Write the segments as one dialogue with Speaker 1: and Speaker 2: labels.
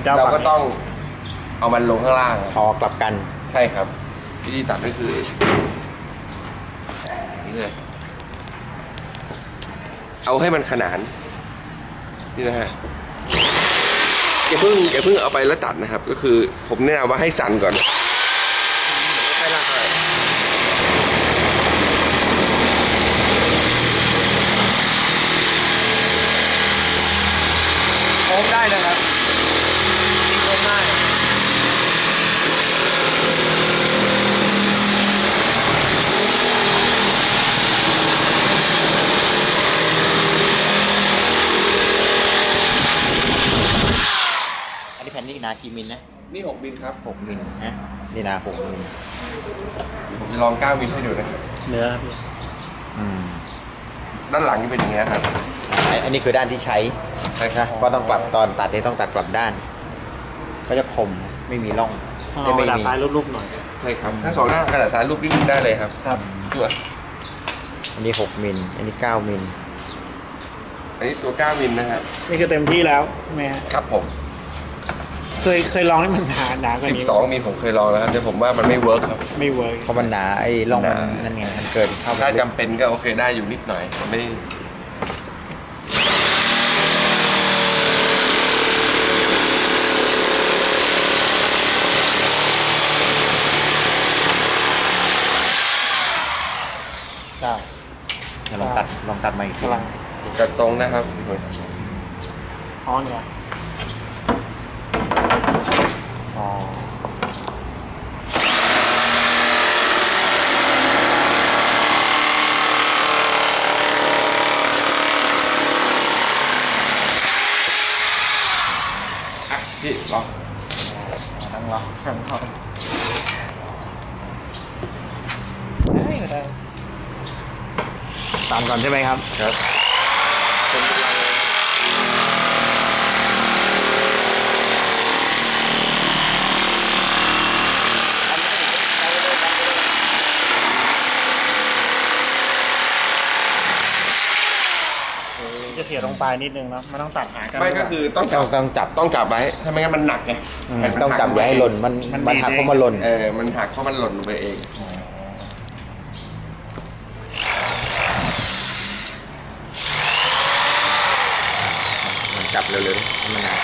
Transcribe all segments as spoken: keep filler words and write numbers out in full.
Speaker 1: เราก็ต้องเอามันลงข้างล่าง
Speaker 2: ออกกลับกัน
Speaker 1: ใช่ครับวิธีตัดก็คือนี่เลยเอาให้มันขนานนี่นะฮะอย่าเพิ่งอย่าเพิ่งเอาไปแล้วตัดนะครับก็คือผมแนะนำว่าให้สั่นก่อนให้ลากไปโค้งได้นะครับตีโค้งได้
Speaker 2: แผ่นนี้หนากี่มิลนะ
Speaker 1: นี่หกมิลครับ
Speaker 2: หกมิลนะนี่หนาหกมิล
Speaker 1: ผมจะลองเก้ามิลให้ดูนะ
Speaker 2: เนื้อพี่อืม
Speaker 1: ด้านหลังนี่เป็นอย่างเงี้ยครับ
Speaker 2: อันนี้คือด้านที่ใช้
Speaker 1: ใช่ครับ
Speaker 2: เพราะต้องกลับตอนตัดที่ต้องตัดกลับด้านก็จะคมไม่มีร่อง
Speaker 3: จะไม่มีกระดาษทรายรูปๆหน่อย
Speaker 1: ใช่ครับถ้าสองหน้ากระดาษทรายรูปนิดนึงได้เลยครับ
Speaker 3: ครับ
Speaker 1: ตัว
Speaker 2: อันนี้หกมิลอันนี้เก้ามิล
Speaker 1: อันนี้ตัวเก้ามิลนะฮะ
Speaker 3: นี่คือเต็มที่แล้วใช่ไหม
Speaker 1: ครับผม
Speaker 3: เคยเคยลองให้มันหนาหนากว่านี้
Speaker 1: สิบสองมิลผมเคยลองแล้วครับแต่ผมว่ามันไม่เวิร์กครับ
Speaker 3: ไม่เวิร์ก
Speaker 2: เพราะมันหนาไอ้ร่องมันนั่นไงมันเกินเข้า
Speaker 1: ถ้าจำเป็นก็โอเคได้อยู่นิดหน่อยมันไม่
Speaker 2: ลองตัดลองตัดมาอีกที
Speaker 1: ตัดตรงนะครับ
Speaker 3: อ๋อเนี่ย
Speaker 2: อ๋อ
Speaker 1: อ่ะพี่ลอง
Speaker 2: ตั้งลอง
Speaker 3: ทำทำได้ได้
Speaker 2: ตามก่อนใช่ไหมครับ
Speaker 1: ครับเป็นกำลัง
Speaker 3: จะเสียตรงปลายนิดนึงเนาะมันต้องตัดหากัน
Speaker 1: ไม่ก็คือต้องจับ
Speaker 2: ต้องจับ
Speaker 1: ต้องจับไว้ถ้าไม่งั้นมันหนักไง
Speaker 2: ต้องจับไว้ให้หล่นมันมันหักเพราะมันหล่น
Speaker 1: เออมันหักเพราะมันหล่นลงไปเอง
Speaker 2: จับเร็วๆมันนาน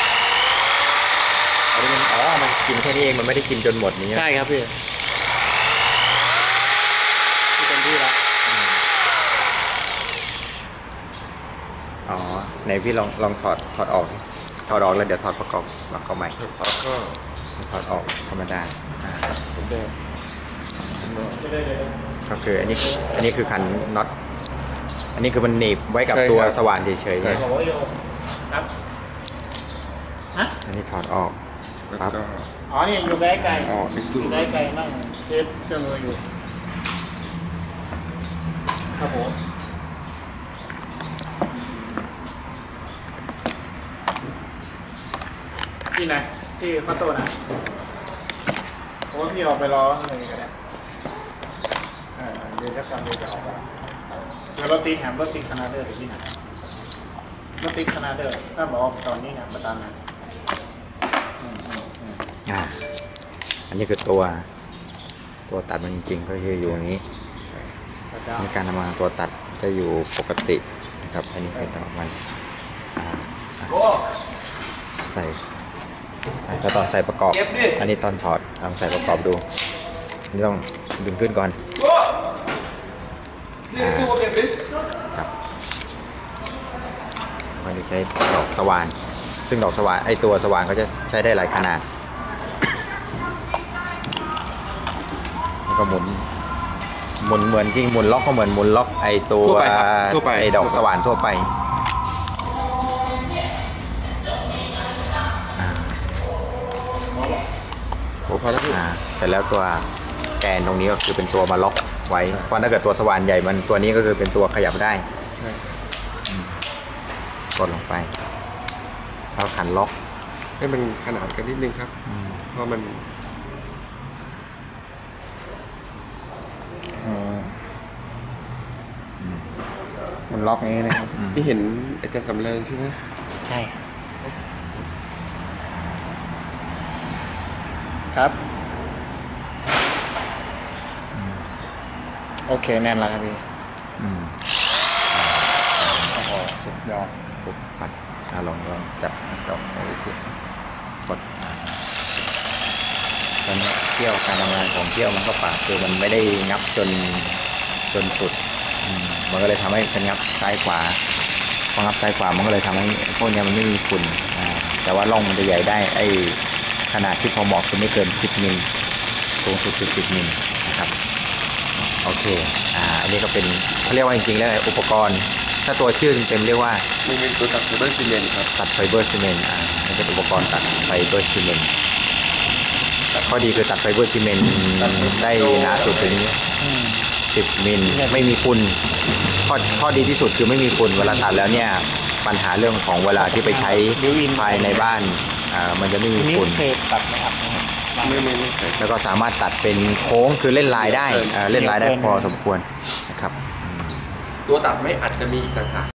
Speaker 2: อันนี้มันอ๋อมันกินแค่นี้เองมันไม่ได้กินจนหมดนี้
Speaker 3: ใช่ครับพี่ที่เป็นที่แล้ว
Speaker 2: อ๋อไหนพี่ลองลองถอดถอดออกถอดออกแล้วเดี๋ยวถอดประกอบประกอบใหม่
Speaker 1: ถอดก็
Speaker 2: ถอดออกธรรมดา
Speaker 1: ผมเดิม
Speaker 2: ก็คืออันนี้อันนี้คือขันน็อตอันนี้คือมันหนีบไว้กับตัวสว่านเฉยๆเนี่ย
Speaker 3: ครับฮะ
Speaker 2: อันนี้ถอดออก
Speaker 1: ครับ
Speaker 3: อ๋อนี่อยู่ใกล้ไกล
Speaker 1: อ๋อ
Speaker 3: อยู่ใกล้ไกลนั่งเทปเครื่องมืออยู่ครับผมที่ไหนที่ข้าวต้นนะผมว่าพี่ออกไปรออะไรกันเนี่ยเดี๋ยวจะก่อนเดี๋ยวจะออกไปเดี๋ยวรถติดแถมรถติดขนาดเดิมที่ไหนรถติดขนาดเดิมถ้าบอกตอนนี้นะประตานนะ
Speaker 2: อ่าอันนี้คือตัวตัวตัดมันจริงๆก็คืออยู่อย่างนี้ในการทำงานตัวตัดจะอยู่ปกตินะครับอันนี้คือดอกมันใส่ถ้าตอนใส่ประกอบอันนี้ตอนถอดลองใส่ประกอบดูนี่ต้องดึงขึ้นก่อนครับมันจะใช้ดอกสว่านซึ่งดอกสว่านไอตัวสว่านก็จะใช้ได้หลายขนาดแล้วก็หมุนหมุนเหมือนที่หมุนล็อกก็เหมือนหมุนล็อกไอตัวไอดอกสว่านทั่วไปเสร็จแล้วตัวแกนตรงนี้ก็คือเป็นตัวมาล็อกไว้เพราะถ้าเกิดตัวสว่านใหญ่มันตัวนี้ก็คือเป็นตัวขยับได้
Speaker 1: ใช่
Speaker 2: กดลงไปแล้วขันล็อก
Speaker 1: ให้มันขนาดกันนิดนึงครับเพราะมัน
Speaker 2: มันล็อกอย่างนี้นะครับ
Speaker 1: ที่เห็นอาจารย์สำเริงใช่ไหม
Speaker 2: ใช่
Speaker 3: ครับโอเคแน่นแล้วครับพี่
Speaker 2: อืม
Speaker 3: โอ้โหสุดยอด
Speaker 2: ปุ๊บปัดอ่ะลองลองจับลองเอาไปที่กดตอนนี้เที่ยวการทำงานของเที่ยวมันก็ปาดคือมันไม่ได้งับจนจนสุดอืมมันก็เลยทำให้เป็นงับซ้ายขวาพองับซ้ายขวามันก็เลยทำให้พวกเนี้ยมันไม่มีฝุ่นอ่าแต่ว่าร่องมันจะใหญ่ได้ไอ้ขนาดที่พอเหมาะคือไม่เกินสิบมิลสูงสุดคือสิบมิลนะครับโอเคอ่าอันนี้ก็เป็นเขาเรียกว่าจริงๆแล้วอุปกรณ์ถ้าตัวชื่อเต็มๆเรียกว่า
Speaker 1: นี่เป็นตัวตัดไฟเบอร์ซีเมนต์ครับ
Speaker 2: ตัดไฟเบอร์ซีเมนต์อ่ามันเป็นอุปกรณ์ตัดไฟเบอร์ซีเมนต์ข้อดีคือตัดไฟเบอร์ซีเมนต์ได้หนาสุดถึงสิบมิลไม่มีฝุ่นข้อข้อดีที่สุดคือไม่มีฝุ่นเวลาตัดแล้วเนี่ยปัญหาเรื่องของเวลาที่ไปใช้ภายในบ้านอ่ามันจะไม่มี
Speaker 3: ทีนี้
Speaker 2: ฝุ่น
Speaker 3: เคยตัดไหมครับ
Speaker 1: ไม่ไม่ไม่เคย
Speaker 2: แล้วก็สามารถตัดเป็นโค้งคือเล่นลายได้อ่าเล่นลายได้พอสมควรนะครับ
Speaker 1: ตัวตัดไม่อาจจะมีอีกต่างหาก